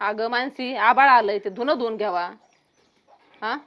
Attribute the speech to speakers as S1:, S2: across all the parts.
S1: अगं मानसी आबाळ आलंय ते धुणं धुवून घ्यावा. हा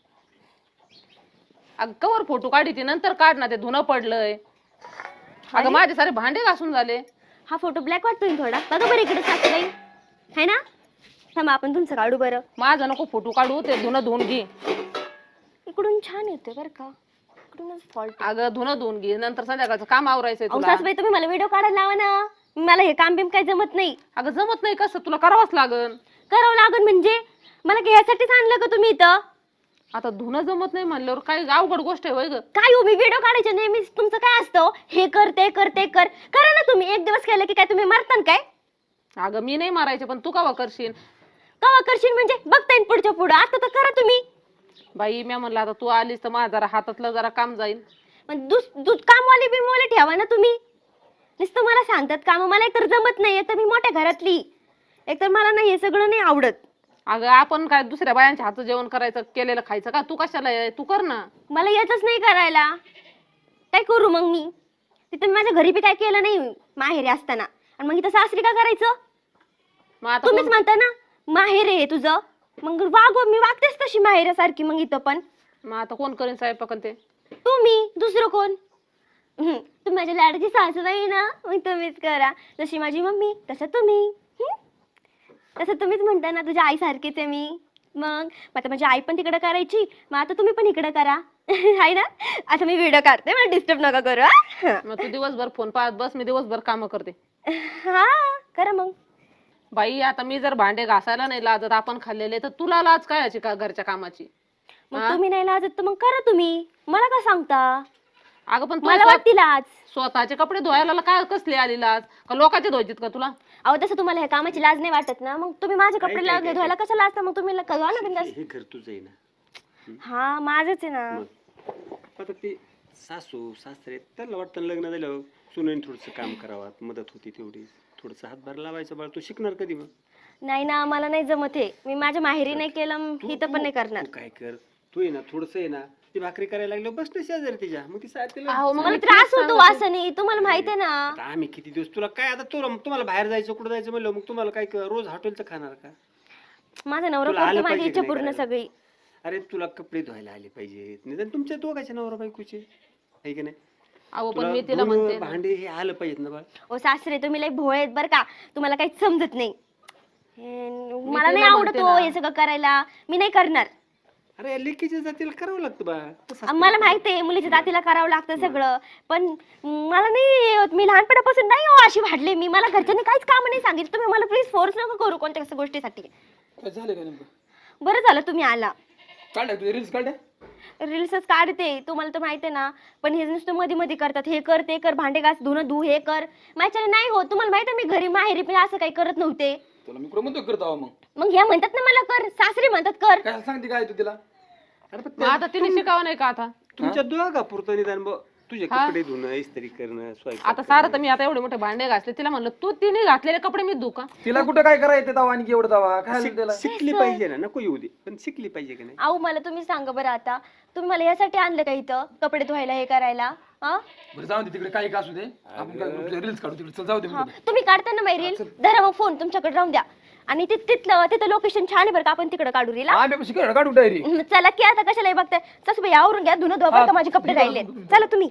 S1: अगं कवर फोटो काढी नंतर काढ ना, ते धुणं पडलंय. अगं माझे सारे भांडे घासून झाले.
S2: हा फोटो ब्लॅक वाटतोय थोडा. बघा बरं इकडे सासूबाई है ना. थांबा आपण तुमचं काढू बरं.
S1: माझं नको फोटो काढू, ते धुणं धुवून घे.
S2: इकडून छान येतोय बरं का. इकडूनच फॉल्ट.
S1: अगं धुणं धुवून घे, नंतर संध्याकाळचं काम आवरायचंय तुला.
S2: सासूबाई तुम्ही मला व्हिडिओ काढायला लावा ना. मला हे काम बिम काही जमत नाही.
S1: अगं जमत नाही कसं, तुला करावंच लागन.
S2: करावं लागन म्हणजे मला घ्यायसाठीच आणलं का तुम्ही इथं.
S1: आता धुणं जमत नाही म्हणल्यावर काय अवघड गोष्ट आहे होय ग.
S2: काय हो मी व्हिडिओ काढायचे नेहमी तुमचं काय असतं. हे कर ते कर ते कर करा ना तुम्ही. एक दिवस केलं की काय तुम्ही मारतान काय.
S1: अगं मी नाही मारायचे, पण तू कवा करशील.
S2: कवा करशील म्हणजे बघता येईल पुढच्या पुढं. आता तर करा तुम्ही.
S1: बाई मी म्हणलं आता तू आलीस तर माझं जरा हातातलं जरा काम जाईल.
S2: दूध कामवाली बिमवाले ठेवा ना तुम्ही. नुसतं मला सांगतात काम. मला एकतर जमत नाही. एकतर मी मोठ्या घरातली. एकतर मला नाही हे सगळं नाही आवडत.
S1: अगं आपण काय दुसऱ्या बायांच्या हातचं जेवण करायचं, केलेलं खायचं का. तू कशाला तू कर ना.
S2: मला येतच नाही करायला. काय करू मग मी. तिथं माझ्या घरी बी काय केलं नाही माहेरी असताना. आणि मग इथं सासरी का करायचं.
S1: मग आता
S2: तुम्हीच म्हणता ना माहेर आहे तुझं. मग मी वागतेच तशी माहेरासारखी. मग इथं पण
S1: मग आता कोण करेन स्वयंपाक ते.
S2: तुम्ही दुसरं कोण. तुम्ही माझ्या लाडाची सासूबाई ना. मग तुम्हीच करा. जशी माझी मम्मी तसं तुम्ही. तसं तुम्हीच म्हणता ना तुझ्या आई सारखीच आहे मी. मग आता माझी आई पण तिकडे करायची. मग आता तुम्ही पण इकडे करा. आहे ना. आता मी व्हिडिओ काढते. मला डिस्टर्ब नका करू.
S1: मग तू दिवसभर फोन पाहत बस, मी दिवसभर काम करते.
S2: हा करा मग.
S1: बाई आता मी जर भांडे घासायला नाही लाजत आपण खाल्लेले, तर तुला लाज काय याची का घरच्या कामाची.
S2: मग तुम्ही नाही लाजत तर मग करा तुम्ही. मला का सांगता.
S1: अगं पण
S2: मला वाटते लाज.
S1: स्वतःचे कपडे धुवायला काय कसले आली लाज का लोकांचे धुवायचीत का तुला.
S2: अहो तसं तुम्हाला ह्या कामाची लाज नाही वाटत ना. मग तुम्ही माझे कपडे धुवायला कसं लाजता. मग तुम्ही कळवा ना बिंदास.
S3: हे घर तुझं आहे ना.
S2: हा माझंच आहे ना.
S3: आता ते सासू सासरे त्यांना वाटतं लग्न झाल्यावर सुनेन थोडंसं काम करावं, मदत होती तेवढी. थोडंसं हातभार लावायचं. बाळ तू शिकणार कधी मग.
S2: नाही ना मला नाही जमत हे. मी माझ्या माहेरी नाही केलं इथं पण नाही करणार.
S3: तू काय कर, तू आहे ना थोडंसं आहे ना ती भाकरी करायला लागलो बस ना शेजारी तिच्या. मग ती
S1: अहो, मग
S2: मला त्रास होतो वासनी. तुम्हाला माहिती आहे ना.
S3: आता आम्ही किती दिवस तुला काय आता तुम्हाला बाहेर जायचं कुठं जायचं म्हणलं मग तुम्हाला काय रोज हॉटेलचं खाणार का.
S2: माझा नवरा
S3: तुला
S2: करतो
S3: आलं
S2: माझी
S3: पाहिजे
S2: इच्छा
S3: की
S2: पूर्ण
S3: नाही
S2: सगळी.
S3: अरे तुला कपडे धुवायला आले पाहिजेत. निदान तुमच्या दोघांच्या नवरा बायकोचे आहे की नाही.
S1: अहो पण
S3: तुला
S1: मी तिला
S3: धुणं,
S1: म्हणते
S3: भांडे हे आलं पाहिजेत ना बाळ.
S2: ओ सासरे तुम्ही लई भोळे आहेत बरं का. तुम्हाला काहीच समजत नाही. मला नाही आवडत हो हे सगळं करायला. मी नाही करणार.
S3: अरे लेकीच्या जातीला करावं लागतं बा.
S2: मला माहिती आहे मुलीच्या जातीला करावं लागतं सगळं. पण मला नाही. मी लहानपणापासून नाही हो अशी वाढले मी. मला घरच्यांनी काहीच काम नाही सांगितलं. तुम्ही मला प्लीज फोर्स नका करू कोणत्या गोष्टीसाठी.
S4: काय झालं का नेमकं.
S2: बरं झालं तुम्ही आला.
S4: काढल्या तुझे रील्स काढल्या.
S2: रील्सच काढते तुम्हाला तर माहिती आहे ना. पण हे नुसतं मध्ये मध्ये करतात. हे कर ते कर भांडे घास धुणं धु हे कर. माझ्याने नाही होत. तुम्हाला माहिती आहे मी घरी माहेरी पण असं काही करत नव्हते.
S4: तुला मी कुठं म्हणतो करत आहो मग.
S2: मग ह्या म्हणतात ना मला कर. सासरी म्हणतात कर.
S4: काय सांगते काय तू तिला.
S3: अरे पण
S1: मग आता तिने शिकावं नाही का आता.
S3: तुमच्या दोघा पुरतं निदान तुझे कपडे धुणं इस्त्री करणं स्वयंपाक
S1: आता सारं तर मी आता एवढे मोठे भांडे घासले, तिला म्हणलं तू तिने घातलेले कपडे मी धुऊ का.
S4: तिला कुठं काय करायचं तवा आणि एवढं तवा काय झालं त्याला.
S3: शिकली पाहिजे ना. नको येऊ दे पण शिकली पाहिजे की नाही.
S2: अहो मला तुम्ही सांगा बरं आता. तुम्ही मला यासाठी आणलं का इथं कपडे धुवायला हे करायला. हा
S4: बरं जाऊ दे तिकडे काही का असू दे. आपण काय रील्स काढू तिकडे. चल जाऊ दे.
S2: तुम्ही काढता ना माई रील. धरा मग फोन तुमच्याकडे राहून द्या. आणि तिथं लोकेशन छान आहे बरं का. आपण तिकडे काढू रील.
S4: आम्ही कशी काढू डायरी.
S2: चला की आता कशाला बघताय. सासूबाई आवरून घ्या धुणं धुवा बरं का. माझे कपडे राहिले. चला तुम्ही.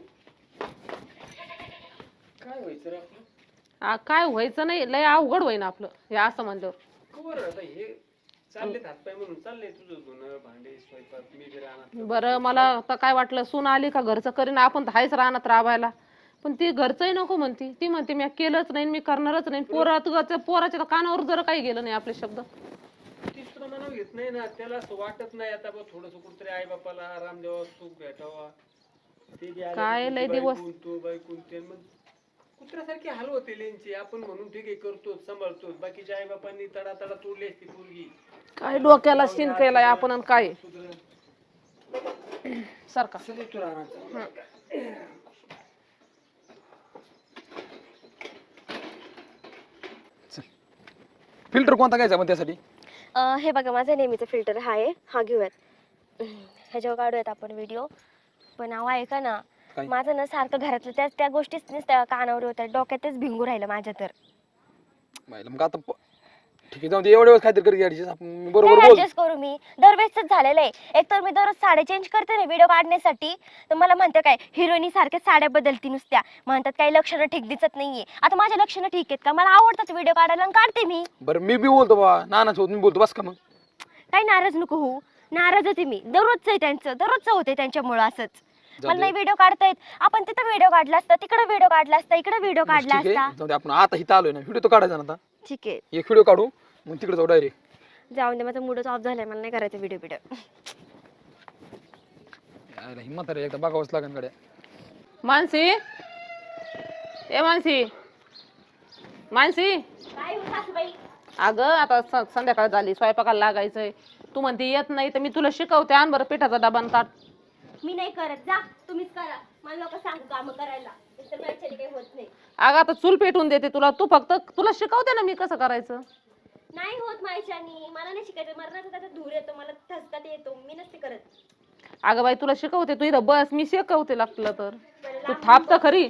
S1: काय व्हायचं नाही, लय अवघड होईन आपलं हे असं म्हणल्यावर.
S3: हे चालले हातपाय म्हणून चाललंय तुझं धुणं भांडे स्वयंपाक. मी बी राहणार.
S1: बरं मला आता काय वाटलं सून आली का घरचं करीन. आपण तर हायच राहणार राबायला. पण ती घरचंही नको म्हणती. ती म्हणते मी केलंच नाही मी करणारच नाही. पोराच्या कानावर जर काही गेलं नाही आपले शब्द.
S3: ती सुद्धा मनाव घेत नाही ना. त्याला असं वाटत नाही आता थोडस कुठतरी आई बापाला आराम द्यावा सुख भेटावा. ते बी
S1: काय लय दिवस
S3: तो बायकून ते मग कुत्र्यासारखी हाल होते लेंची. आपण म्हणून ठीक आहे करतो सांभाळतो. बाकीच्या आई बापांनी तडा तडा तोडली असती पोरगी.
S1: काय डोक्याला शिन केलाय आपण आणि काय सारखा.
S4: फिल्टर कोणता घ्यायचा पण त्यासाठी.
S2: हे बघा माझा नेहमीचा फिल्टर हा आहे. हा घेऊयात. ह्याच्यावर काढूयात आपण व्हिडिओ. पण अहो ऐका ना. माझं ना सारखं घरातलं त्या गोष्टीच कानावर होत्या. डोक्यातच भिंगू राहिलं माझ्या तर.
S4: मग आता ठीक आहे जाऊ दे एवढ्या वेळेस काहीतरी करी ऍडजस्ट आपण बरोबर बोल
S2: ऍडजस्ट करू मी दरवेळेसच झालेलं आहे. एक तर मी दररोज साड्या चेंज करते ना व्हिडिओ काढण्यासाठी, तर मला म्हणते काय हिरोईनी सारख्या साड्या बदलती नुसत्या, म्हणतात काही लक्षणं ठीक दिसत नाहीये. आता माझ्या लक्षणं ठीक आहेत का? मला आवडतात व्हिडिओ काढायला आणि काढते मी.
S4: बरं मी बी बोलतो बा नानाच होत मी बोलतो बस का मग
S2: काही नाराज नको होऊ. नाराज होते मी, दररोजचं आहे त्यांचं, दररोजचं होते त्यांच्यामुळं असंच. मला नाही व्हिडिओ काढता येत. आपण तिथं व्हिडिओ काढला असता, तिकडे व्हिडिओ काढला असता, इकडे व्हिडिओ काढला
S4: ठीक आहे
S2: असता.
S4: जाऊ दे आपण आता इथं आलोय ना व्हिडिओ तो काढायचा ना आता
S2: ठीक आहे
S4: एक व्हिडिओ काढू मग तिकडे जाऊ डायरेक्ट.
S2: जाऊन दे, माझा मूडच ऑफ झालाय, मला नाही करायचं व्हिडिओ
S4: हिंमत रे एकदा बघावंच लागेल गाड्या.
S1: मानसी ए मानसी मानसी अगं आता संध्याकाळ झाली, स्वयंपाकाला लागायचंय. तू म्हणते येत नाही तर मी तुला शिकवते. आण बरं पिठाचा डबा आणि ताट.
S2: मी नाही करत, जा तुम्हीच करा. मला लोक सांगू काम करायला, तर माझ्याने काही होत नाही.
S1: अगं आता चूल पेटवून देते तुला. तू फक्त तुला शिकवते ना मी कसं करायचं.
S2: नाही होत माझ्याने, मला नाही शिकायचं. मरणाचा त्याचा धूर येतो, मला ठसका येतो, मी नसते करत.
S1: अगं बाई तुला शिकवते, तू इथं बस, मी शिकवते लागलं तर. तू थांब तर खरी.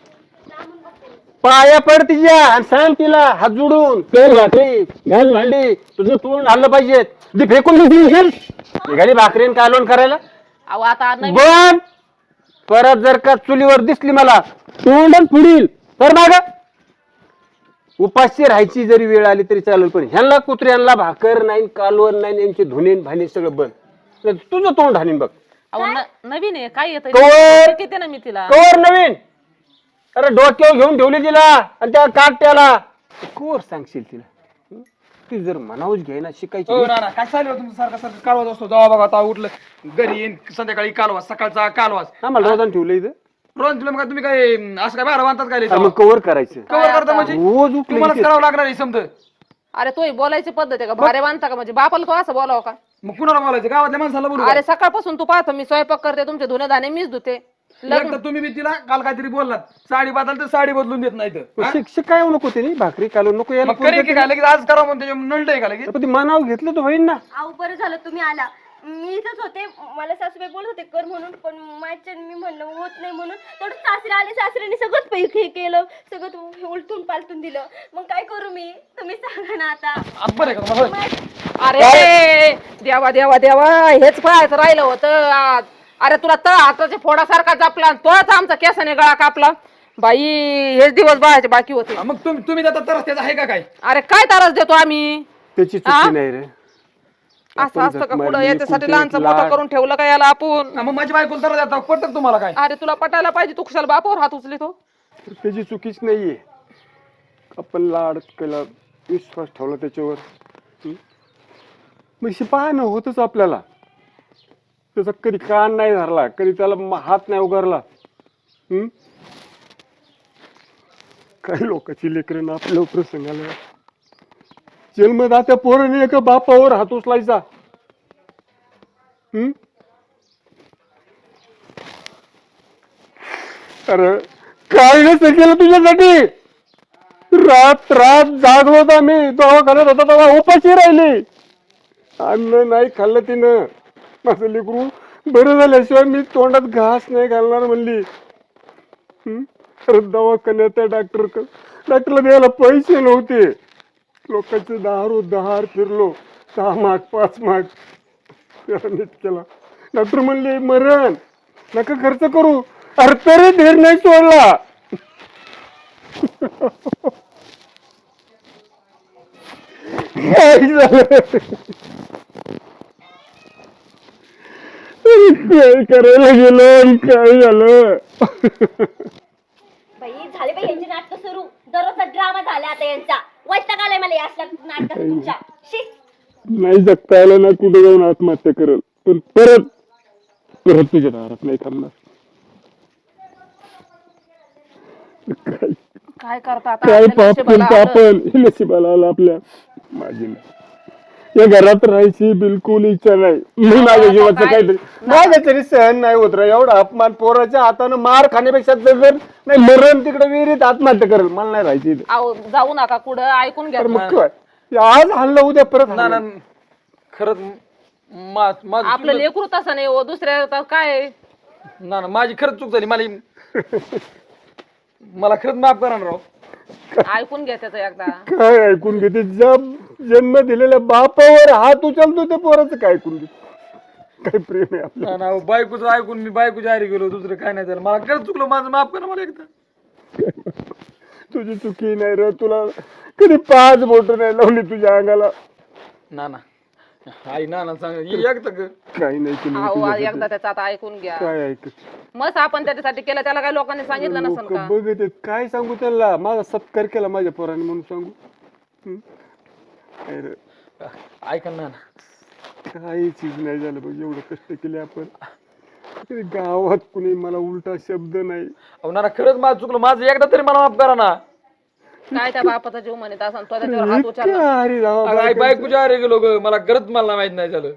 S3: पाया पड तिच्या आणि सांग तिला हात जोडून कर भाकरी घाल भांडी, तुझं तोंड हल्लं पाहिजे. ती फेकून निघाली भाकरीन कालवण करायला.
S1: अहो आता नाही
S3: पण परत जर का चुलीवर दिसली मला तोंडच फुडील तर माग. उपाशी राहायची जरी वेळ आली तरी चालेल, पण ह्यांना कुत्र्यांना भाकर नाही, कालवण नाही, यांची धुणेन भाणे सगळं बंद. तुझं तोंड हाणीन बघ.
S1: अहो नवीन आहे काय येत
S3: कवर
S1: किती ना मी तिला.
S3: कवर नवीन. अरे डोक्यावर घेऊन ठेवली तिला आणि त्या काट्याला कवर सांगशील तिला. ती जर मनावच घ्यायना शिकायची.
S4: हो नाना काय चालू तुमचं सारखं सारखं कालवाच असतो. जावा बघा आता उठलं घरी येईन संध्याकाळी कालवास सकाळचा कालवास.
S3: आम्हाला रोजान ठेवलं इथं.
S4: रोज तुला मग तुम्ही काय असं काय बाहेर बांधतात काय
S3: मग कवर करायचं
S4: कवर करता म्हणजे
S3: रोज उठलं
S4: तुम्हाला
S3: की
S4: करावं लागणार आहे समजा.
S1: अरे तो बोलायची पद्धत आहे का? भारे बांधता का? म्हणजे बापाला तो असं बोलावं का?
S4: मग कुणाला बोलायचं गावातल्या माणसाला बोलू
S1: अरे सकाळपासून तू पाहतो मी स्वयंपाक करते, तुमचे धुणे धाणे मीच धुते.
S4: एकदा तुम्ही बी तिला काल काहीतरी बोललात साडी बदल तर साडी बदलून देत नाही तर
S3: शिक्षक काय नको ते भाकरी कालवण नको यायला.
S4: मग करेल की काय लगेच आज करा म्हणून त्याच्या नळट आहे का लगेच.
S3: पण ती मनाव घेतलं तर होईल ना.
S2: आऊ बरं झालं तुम्ही आला. मी इथंच होते, मला सासूबाई बोलत होते कर म्हणून, पण माझ्या मी म्हणलं होत नाही म्हणून. तेवढं सासरे आले, सासऱ्याने सगळंच पैकी केलं, सगळं उलटून पालटून दिलं. मग काय करू मी, तुम्ही सांगा ना आता.
S4: आज बरं आहे का तुम्हाला?
S1: अरे देवा देवा देवा हेच पाहायचं राहिलं होतं आज. अरे तुला तळ हाताच्या फोडासारखा जपला, तोच आमचा केसाने गळा कापला. बाई हेच दिवस बघायचे बाकी होते.
S4: मग तुम्ही जाता तर त्याचा आहे का काय?
S1: अरे काय त्रास देतो आम्ही?
S3: त्याची चुकी नाही रे.
S1: असं असतं का पुढं? याच्यासाठी लहानचं मोठं करून ठेवलं का याला आपण?
S4: मग माझी बायको तर जाता पटत तुम्हाला काय?
S1: अरे तुला पटायला पाहिजे, तू कुशाला बापावर हात उचलितो.
S3: त्याची चुकीच नाहीये. आपण लाड केला, विश्वास ठेवला त्याच्यावर. मग पाहणं होतच आपल्याला. त्याचा कधी कान नाही धरला, कधी त्याला हात नाही उगारला. काही लोकांची लेकरं आपल्या प्रसंगाला जन्मदात्या पोराने एका बापावर हात उचलायचा. अरे काय नसतं केलं तुझ्यासाठी. रात रात जागलो होता मी, दवाखान्यात होता तेव्हा उपाशी राहिली. अन्न नाही खाल्लं तिनं. माझं लेकरू बरं झाल्याशिवाय मी तोंडात घास नाही घालणार म्हणली. अरे दवाखान्यात त्या डॉक्टरला द्यायला पैसे नव्हते. लोकांचे दहार फिरलो, 6 माग 5 माग नीट केला. डॉक्टर म्हणले मरण नका खर्च करू. अरे तरी धीर नाही सोडला. काय झालं काय करायला गेलो आणि काय झालं.
S2: बाई झाले बाई यांचे नाटक सुरू, दररोजचा ड्रामा झाला आता यांचा. वैताग आलाय मला या नाटक तुमच्या.
S3: नाही जगता आलं ना कुठे जाऊन आत्महत्या करल, पण परत तुझ्या दारात नाही थांबणार.
S1: काय करता आता?
S3: काय
S1: आपल्या
S3: पाप
S1: नशिबाला
S3: केलं
S1: आलं.
S3: आपण. नशिबाला आलं आपल्या. माझी नाही या घरात राहायची बिलकुल इच्छा नाही. मी माझ्या जीवाचं काहीतरी माझ्या तरी सहन नाही होत रे. एवढा अपमान पोराच्या हातानं मार खाण्यापेक्षा जर नाही मरण तिकडे विहिरीत आत्महत्या करेल. मला नाही राहायची.
S1: अहो, जाऊ नका कुठं, ऐकून घ्या.
S3: मग काय आज हल्लं उद्या परत
S4: ना ना
S3: हल्लं.
S4: खरंच
S1: आपलं लेकरू तसं नाही हो, दुसऱ्या तर काय.
S4: ना माझी खरंच चूक झाली. मला खरंच माफ करा ना राव.
S1: ऐकून घ्या त्याचं एकदा.
S3: काय ऐकून घेते. ज्या जन्म दिलेल्या बापावर हात उचलतो त्या पोराचं काय ऐकून घेतो? काय प्रेम आहे आपलं.
S4: ना ना बायकोचं ऐकून मी बायकोच्या आरी गेलो, दुसरं काय नाही झालं. मला खरंच चुकलं, माझं माफ करा मला एकदा.
S3: तुझी चुकी नाही रे, तुला कधी 5 बोट नाही लावली तुझ्या अंगाला.
S4: ना ना आई ना ना सांग एकदा
S3: काही नाही केलं मी
S1: अहो
S3: तुझ्यासाठी.
S1: एकदा त्याचं आता ऐकून घ्या.
S3: काय ऐक
S1: मस्त आपण त्याच्यासाठी केलं, त्याला काही लोकांनी सांगितलं नसेल
S3: लोक
S1: का?
S3: बघत आहेत, काय सांगू त्याला? माझा सत्कार केला माझ्या पोराने म्हणून सांगू? हं? काय रे,
S4: ऐका ना ना.
S3: काही चीज नाही झालं बघ, एवढं कष्ट केले आपण. तरी गावात कुणी मला उलटा शब्द नाही.
S4: अहो ना ना खरंच माझं चुकलं, माझं एकदा तरी मला माफ करा ना.
S1: काय त्या बापाचा जीव म्हणत असं तो त्याच्यावर हात उचलला.
S3: अरे राव,
S4: अगं आई बायकोच्या आरी गेलो ग, मला खरंच मला माहित नाही झालं.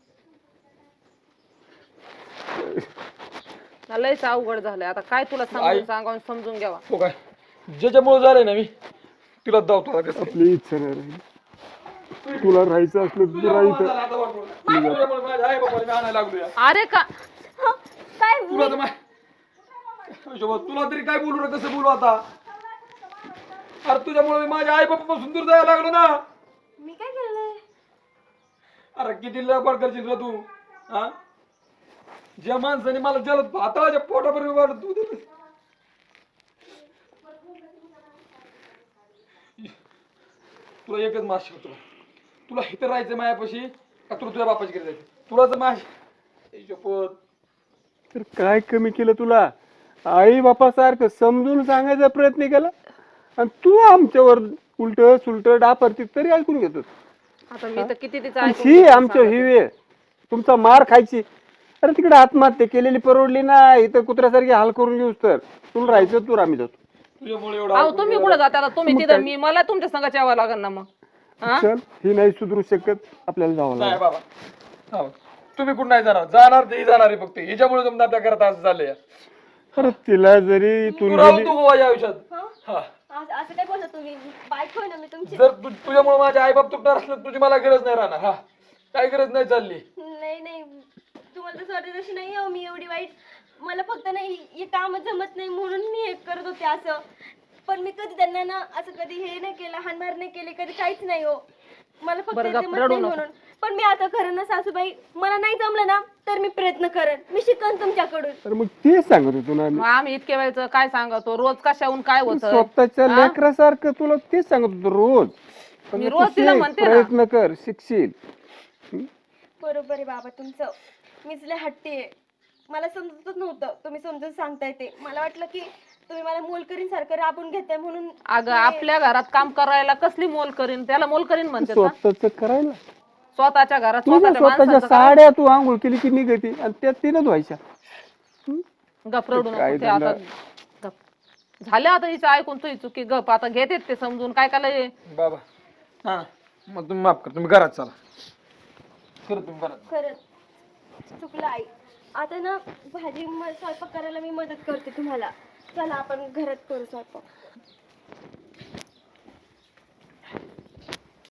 S1: लयच अवघड झालंय आता. काय तुला सांगावून समजून घ्यावा.
S4: हो काय ज्याच्यामुळे झालंय ना मी तिला धावतो आता कसं.
S3: आपली इच्छा नाही राहिली. तुला राहायचं असलं तर तू राहायचं.
S4: तुझ्यामुळे माझ्या आई बाबाला मी आणायला लागलो या.
S1: अरे का
S2: काय
S4: तुला तर तुला तरी काय बोलू रे, कसं बोलू आता? अरे तुझ्यामुळे मी माझ्या आई बापापासून दूर जायला लागलो ना.
S2: मी काय केलंय?
S4: अरे किती लबाड करशील रे तू? हा ज्या माणसाने मला जलद भाताच्या पोटापर्यंत वाढत तू तुला एकच मास शिकतो, तुला इथं राहायचं मायापाशी का तुला तुझ्या बापाची घरी जायचं? तुला तर माझ
S3: तर काय कमी केलं तुला? आई बापासारखं समजून सांगायचा प्रयत्न केला आणि तू आमच्यावर उलट सुलट डापरती तरी ऐकून घेतो.
S1: आता मी तर किती तिचं
S3: आणि
S1: ऐकून
S3: ही
S1: घेतलं
S3: आमच्या
S1: सांगा.
S3: ही वेळ तुमचा मार खायची. अरे तिकडे आत्महत्या केलेली परवडली ना, इथं कुत्र्यासारखी हाल करून घेऊस तर तुला राहायचं तू आम्ही जातो.
S4: तुझ्यामुळे
S1: अहो
S4: एवढा
S1: तुम्ही कुठं जाता आता? तुम्ही तिथं, मी मला तुमच्या संघात यावं लागेल ना मग. हा?
S3: चल, ही नाही सुधरू शकत, आपल्याला जावं
S4: नाही
S3: लागेल.
S4: बाबा. हो. तुम्ही कुठं नाही जाणार, जाणार ते जाणार आहे फक्त. हिच्यामुळे तुमच्या आपल्या घरात असं झालंय.
S3: अरे तिला जरी तू
S4: तू राहू तू या आयुष्यात. हा
S2: असं काय बोलता तुम्ही? बायको आहे ना मी तुमची.
S4: जर तुझ्यामुळे माझे आई बाप तुटणार असलं तुझी मला गरज नाही राहणार. हा काय गरज नाही चालली.
S2: नाही नाही, तुम्हाला तसं वाटत तशी नाही हो मी एवढी वाईट. मला फक्त नाही हे काम जमत नाही म्हणून मी हे करत होते असं. पण मी कधी त्यांना ना असं कधी हे नाही केलं, हाणमार नाही केली, कधी काहीच नाही हो. मला फक्त
S1: बरं,
S2: हे
S1: गप्प
S2: जमत
S1: रडू
S2: नाही
S1: नको.
S2: म्हणून. पण मी आता खरं ना सासूबाई, मला नाही जमलं ना तर मी प्रयत्न करेन, मी शिकन तुमच्याकडून.
S3: अरे मग तेच सांगत होतो ना आम्ही.
S1: मग आम्ही इतके वेळचं काय सांगतो, रोज कशाहून काय होतं?
S3: स्वतःच्या लेकरासारखं तुला तेच सांगत होतो रोज. पण
S1: मी
S3: तू
S1: रोज तिला
S3: शिक,
S1: म्हणते ना.
S3: प्रयत्न कर, शिकशील.
S2: बरोबर आहे बाबा तुमचं. मीच लय हट्टी आहे. मला समजतच नव्हतं तुम्ही समजून सांगताय ते. मला वाटलं की तुम्ही मला मोलकरीन सारखं राबून घेताय म्हणून.
S1: अगं आपल्या घरात काम करायला कसली मोल करीन? त्याला मोल करीन म्हणते का?
S3: स्वतःच करायला
S1: स्वतःच्या घरात
S3: तुझ्या
S1: स्वतःच्या
S3: स्वतःच्या
S1: माणसाचं करायला.
S3: साड्या तू आंघोळ केली की निघती आणि त्यात तिनं धुवायच्या.
S1: गप रडू नको
S3: काय
S1: ते आता.
S3: झालं?
S1: गप झालं आता हिचं ऐकून तुझी चुकी. गप आता घेते ते समजून. काय काय
S4: बाबा हा मग तुम्ही माफ करा, तुम्ही घरात चला. खरं तुम्ही घरात.
S2: खरंच चुकलं आई. आता ना भाजी स्वयंपाक करायला मी मदत करते तुम्हाला. चला आपण घरात करू स्वयंपाक.